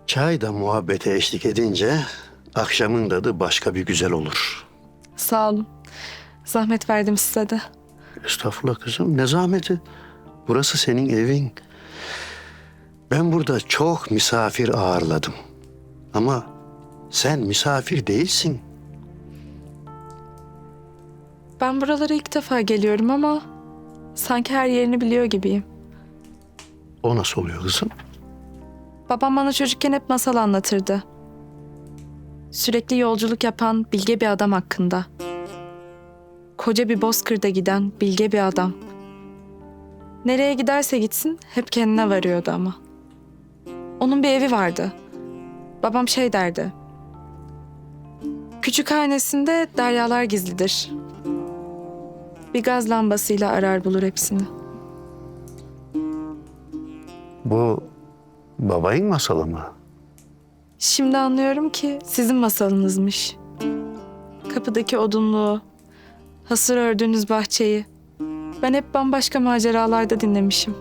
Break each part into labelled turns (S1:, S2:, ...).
S1: Çay da muhabbete eşlik edince akşamın tadı başka bir güzel olur.
S2: Sağ olun. Zahmet verdim size de.
S1: Estağfurullah kızım, ne zahmeti. Burası senin evin. Ben burada çok misafir ağırladım. Ama sen misafir değilsin.
S2: Ben buralara ilk defa geliyorum ama sanki her yerini biliyor gibiyim.
S1: O nasıl oluyor kızım?
S2: Babam bana çocukken hep masal anlatırdı. Sürekli yolculuk yapan bilge bir adam hakkında. Koca bir bozkırda giden bilge bir adam. Nereye giderse gitsin hep kendine varıyordu ama. Onun bir evi vardı. Babam şey derdi. Küçük hanesinde deryalar gizlidir. Bir gaz lambasıyla arar bulur hepsini.
S1: Bu babayın masalı mı?
S2: Şimdi anlıyorum ki sizin masalınızmış. Kapıdaki odunluğu, hasır ördüğünüz bahçeyi. Ben hep bambaşka maceralarda dinlemişim.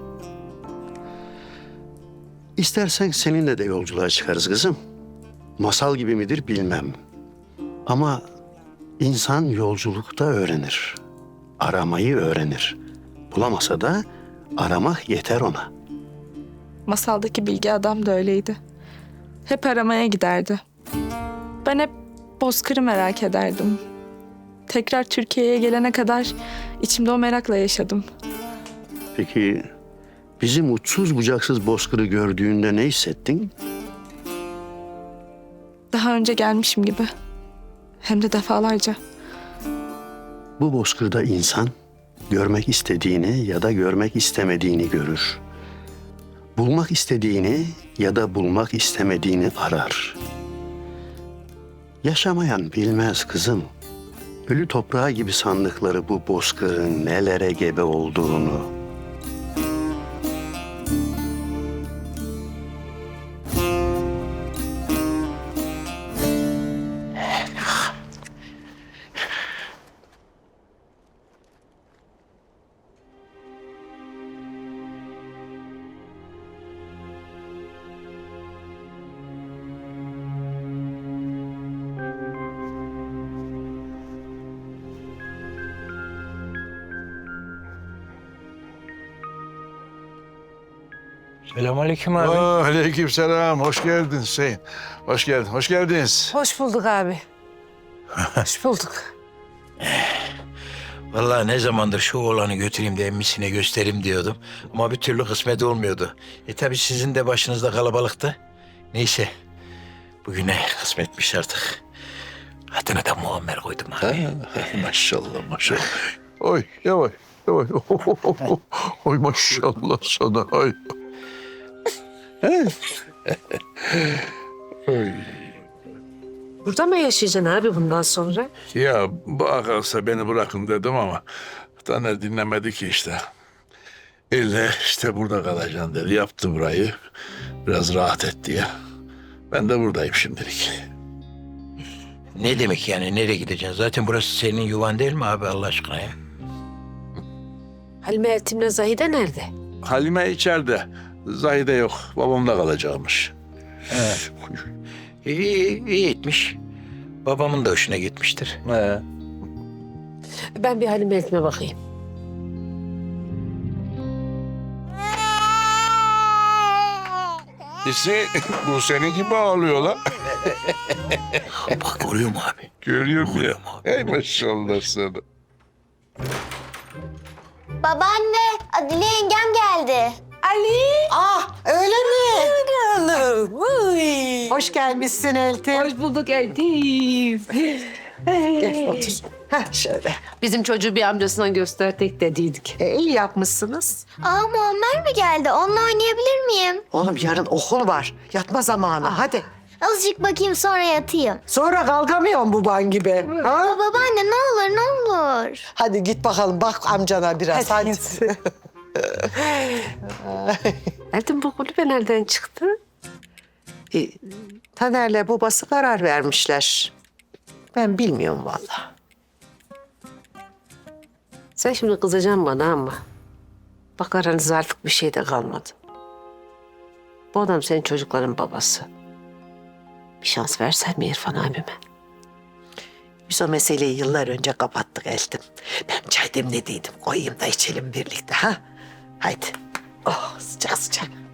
S1: İstersen seninle de yolculuğa çıkarız kızım. Masal gibi midir bilmem. Ama insan yolculukta öğrenir. Aramayı öğrenir. Bulamasa da aramak yeter ona.
S2: Masaldaki bilgi adam da öyleydi. Hep aramaya giderdi. Ben hep bozkırı merak ederdim. Tekrar Türkiye'ye gelene kadar içimde o merakla yaşadım.
S1: Peki bizim uçsuz bucaksız bozkırı gördüğünde ne hissettin?
S2: Daha önce gelmişim gibi. Hem de defalarca.
S1: Bu bozkırda insan görmek istediğini ya da görmek istemediğini görür. Bulmak istediğini ya da bulmak istemediğini arar. Yaşamayan bilmez kızım. Ölü toprağı gibi sandıkları bu bozkırın nelere gebe olduğunu.
S3: Selamünaleyküm abi.
S4: Aleykümselam. Hoş geldin Hüseyin. Hoş geldin. Hoş geldiniz.
S5: Hoş bulduk abi. Hoş bulduk.
S3: Vallahi ne zamandır şu oğlanı götüreyim de emmisine göstereyim diyordum. Ama bir türlü kısmet olmuyordu. Tabii sizin de başınızda kalabalıktı. Neyse. Bugüne kısmetmiş artık. Adını da Muammer koydum abi.
S4: Maşallah maşallah. Oy yavaş yavaş. Oy maşallah sana. Oy. Oy.
S5: Burada mı yaşayacaksın abi bundan sonra?
S4: Ya bu akarsa beni bırakın dedim ama Taner dinlemedi ki işte. İlle işte burada kalacaksın dedi. Yaptı burayı. Biraz rahat et diye. Ben de buradayım şimdilik.
S3: Ne demek yani nereye gideceksin? Zaten burası senin yuvan değil mi abi Allah aşkına ya?
S5: Halime Eltim'le Zahide nerede?
S4: Halime içeride. Zahide yok. Babamda kalacakmış.
S3: İyi etmiş. Babamın da hoşuna gitmiştir.
S5: Ben bir Halime Eltim'e bakayım.
S4: Hüseyin, bu senin gibi ağlıyor lan.
S3: Bak görüyor mu abi?
S4: Görüyorum ya.
S3: Görüyorum abi.
S4: Ey maşallah sana.
S6: Babaanne, Adile yengem geldi.
S7: Ah öyle mi? Hoş gelmişsin Eltim.
S5: Hoş bulduk Eltim.
S7: Gel otur. Heh, şöyle.
S5: Bizim çocuğu bir amcasına gösterdik dediydik.
S7: İyi yapmışsınız.
S6: Aa, Muammer mi geldi? Onunla oynayabilir miyim?
S7: Oğlum yarın okul var. Yatma zamanı. Hadi.
S6: Azıcık bakayım sonra yatayım.
S7: Sonra kalkamıyorum baban gibi. Ha?
S6: Aa, babaanne ne olur ne olur.
S7: Hadi git bakalım bak amcana biraz. Hadi.
S5: Eltim bu kulübe nereden çıktı?
S7: Taner'le babası karar vermişler. Ben bilmiyorum vallahi.
S5: Sen şimdi kızacaksın bana ama bak aranızda artık bir şey de kalmadı. Bu adam senin çocukların babası. Bir şans versen mi İrfan abime?
S7: Biz o meseleyi yıllar önce kapattık Eltim. Ben çay demlediydim. Koyayım da içelim birlikte ha. Haydi. Oh sıcak sıcak.